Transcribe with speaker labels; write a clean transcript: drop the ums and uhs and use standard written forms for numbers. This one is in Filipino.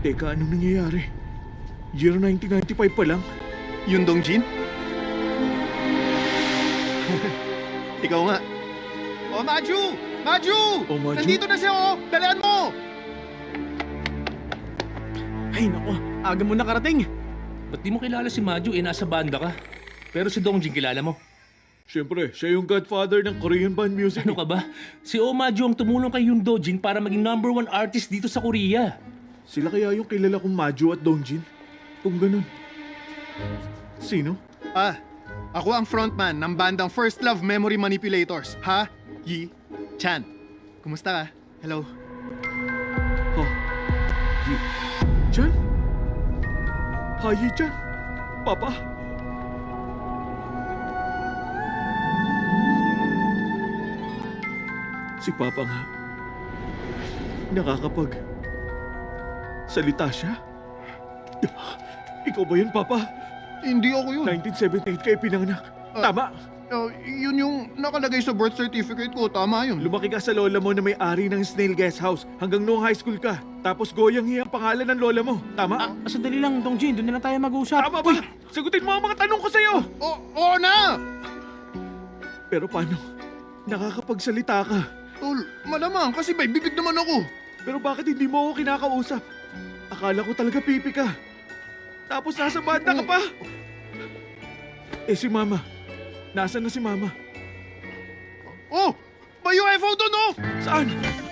Speaker 1: Teka, anong nangyayari? Year 1995 pa lang?
Speaker 2: Yun Dongjin? Ikaw nga. Oh, Maju! Maju!
Speaker 1: Oh, Maju?
Speaker 2: Nandito na siya, oh! Dalian mo!
Speaker 3: Ay nako, aga mo nakarating.
Speaker 4: Ba't di mo kilala si Maju nasa banda ka? Pero si Dongjin kilala mo.
Speaker 1: Siyempre, siya yung godfather ng Korean band music.
Speaker 4: Ano ka ba? Si Maju ang tumulong kay Yoon Dojin para maging #1 artist dito sa Korea.
Speaker 1: Sila kaya yung kilala kong Maju at Dongjin? Kung ganun. Sino?
Speaker 2: Ako ang frontman ng bandang First Love Memory Manipulators. Ha? Yi Chan. Kumusta ka? Hello?
Speaker 1: Ha? Yi Chan? Ha, Yi Chan? Papa? Si Papa nga. Nakakapag... salita siya? Ikaw ba yun, Papa?
Speaker 2: Hindi ako yun.
Speaker 1: 1978 kayo pinanganak. Tama!
Speaker 2: Yun yung nakalagay sa birth certificate ko. Tama yun.
Speaker 1: Lumaki ka sa lola mo na may-ari ng Snail Guest House hanggang noong high school ka. Tapos Goyang Hee ang pangalan ng lola mo. Tama?
Speaker 3: Sandali lang, Dongjin, doon na lang tayo mag-usap.
Speaker 1: Tama ba? Sagutin mo ang mga tanong ko sa'yo!
Speaker 2: Oo na!
Speaker 1: Pero paano? Nakakapagsalita ka.
Speaker 2: Tol, malamang kasi may bibig naman ako.
Speaker 1: Pero bakit hindi mo ako kinakausap? Akala ko talaga pipi ka. Tapos nasa banda ka pa. Eh si Mama. Nasaan na si Mama?
Speaker 2: Oh! May UFO doon, oh!
Speaker 1: Saan?